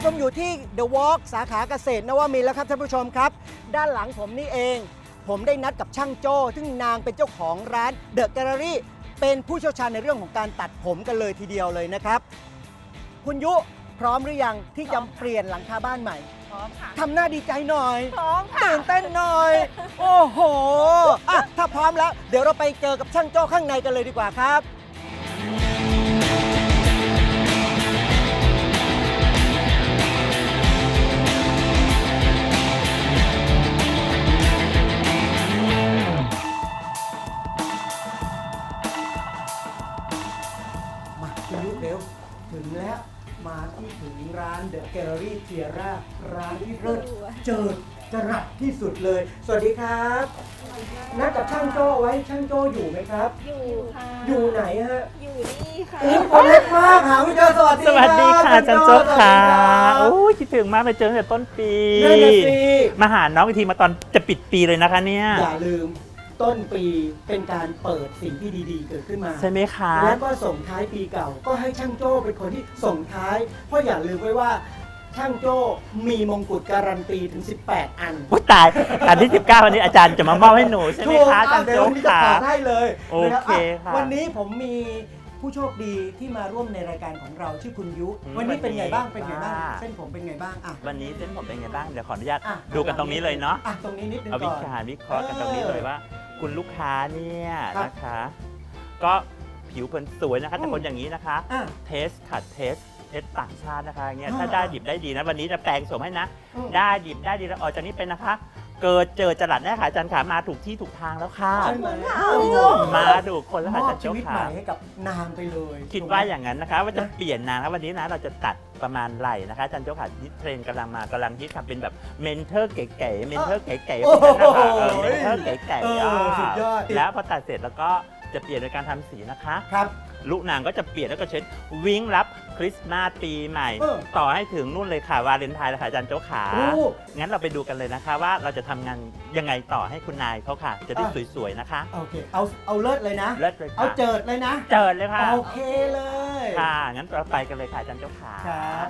ผมอยู่ที่ The Walk สาขาเกษตรนวมินทร์แล้วครับท่านผู้ชมครับด้านหลังผมนี่เองผมได้นัดกับช่างโจ้ซึ่งนางเป็นเจ้าของร้าน The Gallery เป็นผู้เชี่ยวชาญในเรื่องของการตัดผมกันเลยทีเดียวเลยนะครับคุณยุพร้อมหรือยังที่จะเปลี่ยนหลังคาบ้านใหม่พร้อมค่ะทำหน้าดีใจหน่อยพร้อมค่ะตื่นเต้นหน่อยโอ้โหอ่ะถ้าพร้อมแล้วเดี๋ยวเราไปเจอกับช่างโจ้ข้างในกันเลยดีกว่าครับเร็วถึงแล้วมาที่ถึงร้าน The Gallery Tierra ร้านที่เลิศเจิดจรัสที่สุดเลยสวัสดีครับนัดกับช่างโจ้ไว้ช่างโจ้อยู่ไหมครับอยู่ค่ะอยู่ไหนฮะอยู่นี่ค่ะคนเล็กมากหาไม่เจอสวัสดีสวัสดีค่ะจันโจ้ค่ะโอ้ยคิดถึงมากเลยเจอตั้งแต่ต้นปีมาหาน้องอีกทีมาตอนจะปิดปีเลยนะคะเนี่ยอย่าลืมต้นปีเป็นการเปิดสิ่งที่ดีๆเกิดขึ้นมาใช่ไหมคะแล้วก็ส่งท้ายปีเก่าก็ให้ช่างโจ้เป็นคนที่ส่งท้ายเพราะอย่าลืมไว้ว่าช่างโจ้มีมงกุฎการันตีถึง18อันโอ้ตายอันที่19วันนี้อาจารย์จะมามอบให้หนูใช่ไหมคะจันโจ้ค่ะได้เลยโอเคค่ะวันนี้ผมมีผู้โชคดีที่มาร่วมในรายการของเราชื่อคุณยุวันนี้เป็นไงบ้างเป็นไงบ้างเส้นผมเป็นไงบ้างอ่ะวันนี้เส้นผมเป็นไงบ้างเดี๋ยวขออนุญาตดูกันตรงนี้เลยเนาะตรงนี้นิดนึงก่อนเอาวิเคราะห์กันตรงนี้เลยว่าคุณลูกค้าเนี่ยนะคะก็ผิวเผินสวยนะคะแต่คนอย่างนี้นะคะเทสค่ะเทสต่างชาตินะคะอย่างเงี้ยถ้าได้ดิบได้ดีนะวันนี้จะแปลงโฉมให้นะได้ดิบได้ดีแล้วออกจากนี้เป็นนะคะเกิดเจอจรัสแน่ค่ะอาจารย์ขามาถูกที่ถูกทางแล้วค่ะมาถูกคนแล้วค่ะอาจารย์เจ้าค่ะให้กับนางไปเลยคิดว่าอย่างนั้นนะคะว่าจะเปลี่ยนนางแล้ววันนี้นะเราจะตัดประมาณไหล่นะคะอาจารย์เจ้าค่ะเทรนกำลังมากำลังฮิตค่ะเป็นแบบเมนเทอร์เก๋ๆเมนเทอร์เก๋ๆเป็นนะคะเมนเทอร์เก๋ๆสุดยอดแล้วพอตัดเสร็จแล้วก็จะเปลี่ยนโดยการทำสีนะคะครับลูกนางก็จะเปลี่ยนแล้วก็เช็ดวิ่งรับคริสต์มาสปีใหม่ต่อให้ถึงนู่นเลยค่ะวาเลนไทน์เลยค่ะอาจารย์เจ้าขางั้นเราไปดูกันเลยนะคะว่าเราจะทำงานยังไงต่อให้คุณนายเขาค่ะจะได้สวยๆนะคะโอเคเอาเลิศเลยนะเลิศเลยเอาเจิดเลยนะเจิดเลยค่ะโอเคเลยค่ะงั้นเราไปกันเลยค่ะอาจารย์เจ้าขาครับ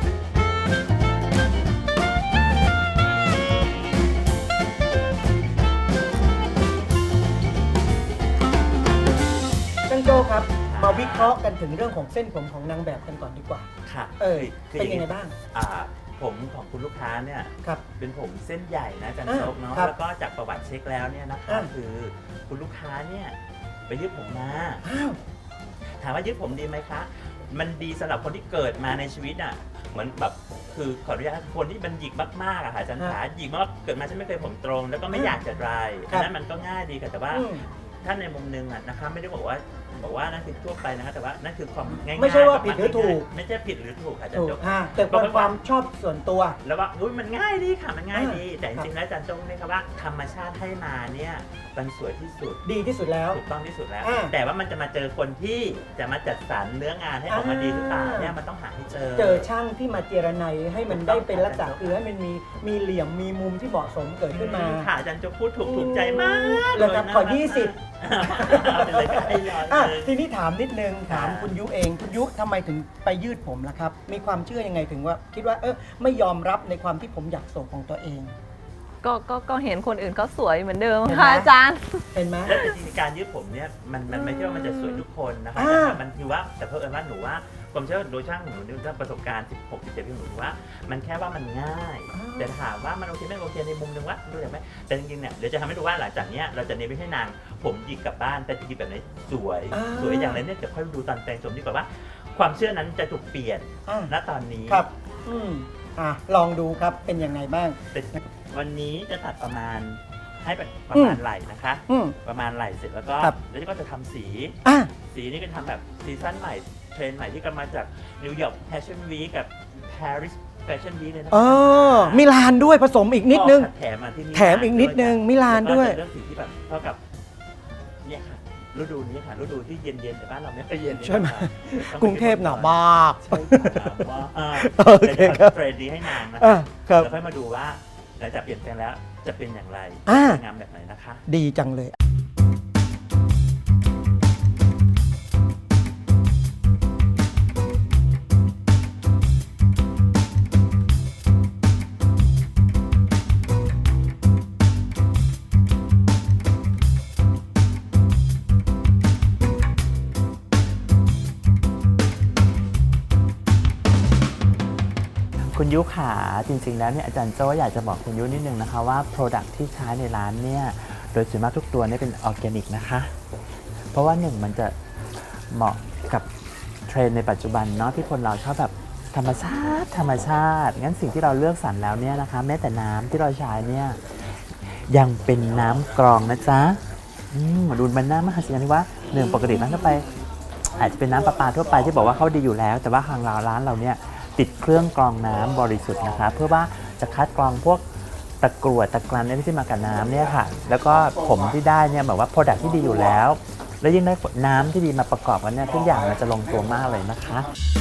ช่างโจ้ครับมาวิเคราะห์กันถึงเรื่องของเส้นผมของนางแบบกันก่อนดีกว่าค่ะเป็นยังไงบ้างผมของคุณลูกค้าเนี่ยเป็นผมเส้นใหญ่นะอาจารย์โจ๊กเนาะแล้วก็จากประวัติเช็คแล้วเนี่ยนะคะคือคุณลูกค้าเนี่ยไปยืดผมมาถามว่ายืดผมดีไหมคะมันดีสำหรับคนที่เกิดมาในชีวิตอ่ะเหมือนแบบคือขออนุญาตคนที่มันหยิกมากๆอะค่ะอาจารย์ขาหยิกมากเกิดมาฉันไม่เคยผมตรงแล้วก็ไม่อยากจะดรายอันนั้นมันก็ง่ายดีค่ะแต่ว่าถ้าในมุมนึงอ่ะนะคะไม่ได้บอกว่านั่นคือทั่วไปนะคะแต่ว่านั่นคือความง่ายๆไม่ใช่ว่าผิดหรือถูกไม่ใช่ผิดหรือถูกอาจารย์โจ๊กแต่เป็นความชอบส่วนตัวแล้วว่าอุ้ยมันง่ายดีค่ะมันง่ายดีแต่จริงๆแล้วอาจารย์โจ๊กเนี่ยครับว่าธรรมชาติให้มาเนี่ยมันสวยที่สุดดีที่สุดแล้วถูกต้องที่สุดแล้วแต่ว่ามันจะมาเจอคนที่จะมาจัดสรรเนื้องานให้ออกมาดีหรือเปล่าเนี่ยมันต้องหาให้เจอช่างที่มาเจรไนให้มันได้เป็นลักษณะคือให้มันมีเหลี่ยมมีมุมที่เหมาะสมเกิดขึ้นมาค่ะอาจารย์โจ๊กพูดถูกใจมากเลยครับขอ20ทีนี้ถามนิดนึงถามคุณยุเองคุณยุทำไมถึงไปยืดผมล่ะครับมีความเชื่อยังไงถึงว่าคิดว่าไม่ยอมรับในความที่ผมอยากโศกของตัวเองก็เห็นคนอื่นเขาสวยเหมือนเดิมค่ะอาจารย์เห็นไหมแล้วจริงๆการยืดผมเนี่ยมันไม่ใช่ว่ามันจะสวยทุกคนนะคะมันคือว่าแต่เพิ่มว่าหนูว่าความเชื่อโดยช่างหนูด้วยประสบการณ์16-17ปีหนูว่ามันแค่ว่ามันง่ายแต่ถามว่ามันโอเคไม่โอเคในมุมนึงว่าดูได้ไหมแต่จริงๆเนี่ยเดี๋ยวจะทำให้ดูว่าหลังจากนี้เราจะเน้นไม่ให้นางผมหยิกกลับบ้านแต่จะหยิกแบบไหนสวยอย่างไรเนี่ยจะค่อยดูตอนแต่งสมดีกว่าว่าความเชื่อนั้นจะถูกเปลี่ยนณตอนนี้ครับลองดูครับเป็นยังไงบ้างวันนี้จะตัดประมาณให้ประมาณไหล่นะคะประมาณไหล่เสร็จแล้วก็จะทำสีนี่ก็ทำแบบซีซั่นใหม่เทรนด์ใหม่ที่กำลังมาจากนิวยอร์กแฟชั่นวีคกับปารีสแฟชั่นวีคเลยนะมิลานด้วยผสมอีกนิดนึงแถมมาที่นี่แถมอีกนิดนึงมิลานด้วยเรื่องสีที่แบบเท่ากับเนี่ยค่ะฤดูนี้ค่ะฤดูที่เย็นๆแต่บ้านเราไม่ค่อยเย็นใช่ไหมกรุงเทพหนาวมากโอเคครับเทรนด์นี้ให้นางนะครับแล้วค่อยมาดูว่าหลังจากเปลี่ยนแปลงแล้วจะเป็นอย่างไรสวยงามแบบไหนนะคะดีจังเลยคุณยุขาจริงๆแล้วเนี่ยอาจารย์โจ้อยากจะบอกคุณยุนิดนึงนะคะว่า Product ที่ใช้ในร้านเนี่ยโดยส่วนมากทุกตัวเนี่ยเป็นออร์แกนิกนะคะเพราะว่าหนึ่งมันจะเหมาะกับเทรนด์ในปัจจุบันเนาะที่คนเราชอบแบบธรรมชาติงั้นสิ่งที่เราเลือกสรรแล้วเนี่ยนะคะแม้แต่น้ำที่เราใช้เนี่ยยังเป็นน้ำกรองนะจ๊ะดูมันน่ามหัศจรรย์ที่ว่าหนึ่งปกติร้านทั่วไปอาจจะเป็นน้ำประปาทั่วไปที่บอกว่าเขาดีอยู่แล้วแต่ว่าทางร้านเราเนี่ยติดเครื่องกรองน้ำบริสุทธิ์นะคะเพื่อว่าจะคัดกรองพวกตะกรวดตะกรันที่มากับน้ำเนี่ยค่ะแล้วก็ผมที่ได้เนี่ยแบบว่าโปรดักที่ดีอยู่แล้วแล้วยิ่งได้น้ำที่ดีมาประกอบกันเนี่ยทุกอย่างมันจะลงตัวมากเลยนะคะ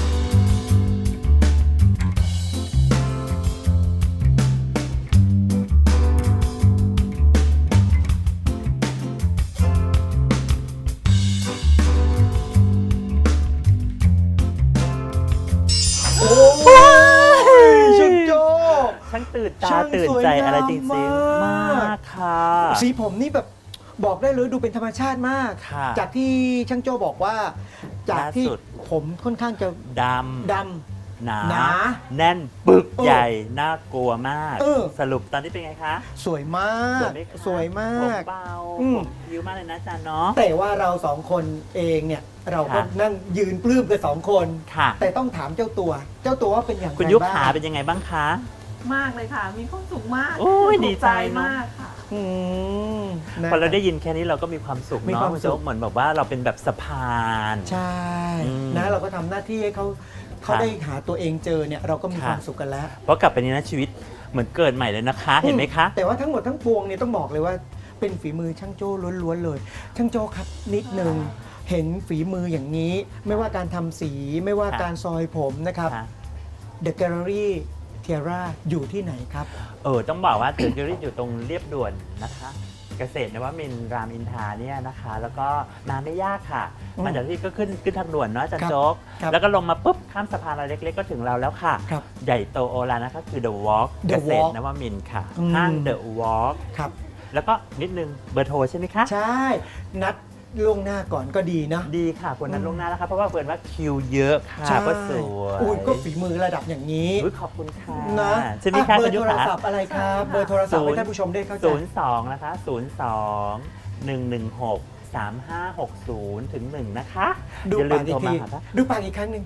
ช่างโจ้ช่างตื่นตาตื่นใจอะไรจริงๆมากค่ะสีผมนี่แบบบอกได้เลยดูเป็นธรรมชาติมาก จากที่ช่างโจ้บอกว่าจากที่ผมค่อนข้างจะดำหนาแน่นปึกใหญ่น่ากลัวมากสรุปตอนนี้เป็นไงคะสวยมากสวยมากเบาผิวมากเลยนะอาจารย์เนาะแต่ว่าเราสองคนเองเนี่ยเราก็นั่งยืนปลื้มกัน2 คนแต่ต้องถามเจ้าตัวว่าเป็นอย่างไรบ้างคุณยุขาเป็นยังไงบ้างคะมากเลยค่ะมีความสุขมากดีใจมากค่ะพอเราได้ยินแค่นี้เราก็มีความสุขเนาะคุณโจ๊กเหมือนแบบว่าเราเป็นแบบสะพานใช่นะเราก็ทำหน้าที่ให้เขาได้หาตัวเองเจอเนี่ยเราก็มีความสุขกันแล้วเพราะกลับไปนี้นะชีวิตเหมือนเกิดใหม่เลยนะคะเห็นไหมคะแต่ว่าทั้งหมดทั้งปวงเนี่ยต้องบอกเลยว่าเป็นฝีมือช่างโจ้ล้วนๆเลยช่างโจ้ครับนิดนึงเห็นฝีมืออย่างนี้ไม่ว่าการทำสีไม่ว่าการซอยผมนะครับ The Gallery Tiara อยู่ที่ไหนครับต้องบอกว่า The Gallery อยู่ตรงเรียบด่วนนะคะเกษตรนวมินทร์รามอินทราเนี่ยนะคะแล้วก็มาไม่ยากค่ะมาจากที่ก็ขึ้นทางด่วนเนาะจันโจ๊กแล้วก็ลงมาปุ๊บข้ามสะพานอะไรเล็กๆก็ถึงเราแล้วค่ะใหญ่โตโอฬารนะคะคือ The Walk เกษตรนวมินทร์ค่ะห้าง The Walk ครับแล้วก็นิดนึงเบอร์โทรใช่ไหมคะใช่นัดล่วงหน้าก่อนก็ดีนะดีค่ะคนนั้นล่วงหน้าแล้วครับเพราะว่าเปิดว่าคิวเยอะค่ะก็สวยก็ฝีมือระดับอย่างนี้ขอบคุณค่ะนะใช่ไหมคะเบอร์โทรศัพท์อะไรครับเบอร์โทรศัพท์ให้ท่านผู้ชมได้เข้าใจ 02นะคะ02-116-3560ถึง1นะคะดูปากอีกทีดูปากอีกครั้งหนึ่ง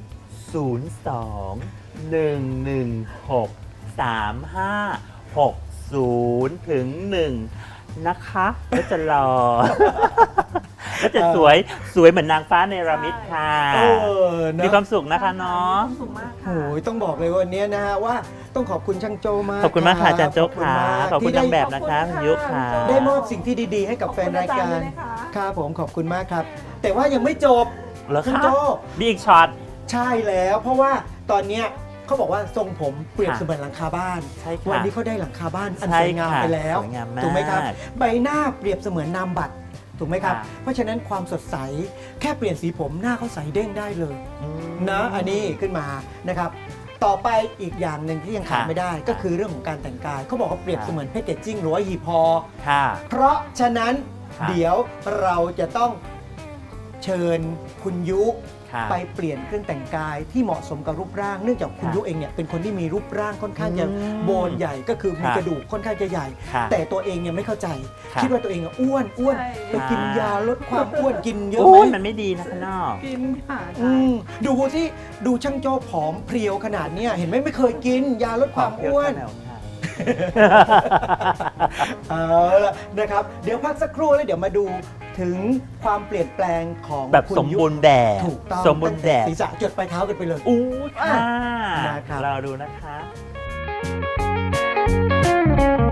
02-116-3560ถึง1นะคะแล้วจะรอแล้วจะสวยเหมือนนางฟ้าเนรมิตค่ะมีความสุขนะคะเนาะมีความสุขมากค่ะโอ้ยต้องบอกเลยวันนี้นะฮะว่าต้องขอบคุณช่างโจมากขอบคุณมากค่ะอาจารย์โจ๊กค่ะขอบคุณนางแบบนะคะคุณยุค่ะได้มอบสิ่งที่ดีๆให้กับแฟนรายการครับผมขอบคุณมากครับแต่ว่ายังไม่จบช่างโจมีอีกช็อตใช่แล้วเพราะว่าตอนเนี้ยเขาบอกว่าทรงผมเปรียบเสมือนหลังคาบ้านวันนี้เขาได้หลังคาบ้านอันสวยงามไปแล้วถูกไหมครับใบหน้าเปรียบเสมือนนามบัตรถูกไหมครับเพราะฉะนั้นความสดใสแค่เปลี่ยนสีผมหน้าเขาใสเด้งได้เลยนะอันนี้ขึ้นมานะครับต่อไปอีกอย่างหนึ่งที่ยังขาดไม่ได้ก็คือเรื่องของการแต่งกายเขาบอกว่าเปรียบเสมือนแพคเกจจิ้งหรือว่าหีบห่อเพราะฉะนั้นเดี๋ยวเราจะต้องเชิญคุณยุไปเปลี่ยนเครื่องแต่งกายที่เหมาะสมกับรูปร่างเนื่องจากคุณยุเองเนี่ยเป็นคนที่มีรูปร่างค่อนข้างจะโบนใหญ่ก็คือมีกระดูกค่อนข้างจะใหญ่แต่ตัวเองยังไม่เข้าใจคิดว่าตัวเองอ้วนไปกินยาลดความอ้วนกินเยอะไหมมันไม่ดีนะข้างนอกกินค่ะดูที่ดูช่างโจ้ผอมเพรียวขนาดนี้เห็นไหมไม่เคยกินยาลดความอ้วนเอาละนะครับเดี๋ยวพักสักครู่แล้วเดี๋ยวมาดูถึงความเปลี่ยนแปลงของแบบสมบูรณ์แบบถูกต้องสมบูรณ์แบบศีรษะจดปลายเท้ากันไปเลยค่ะรอดูนะคะ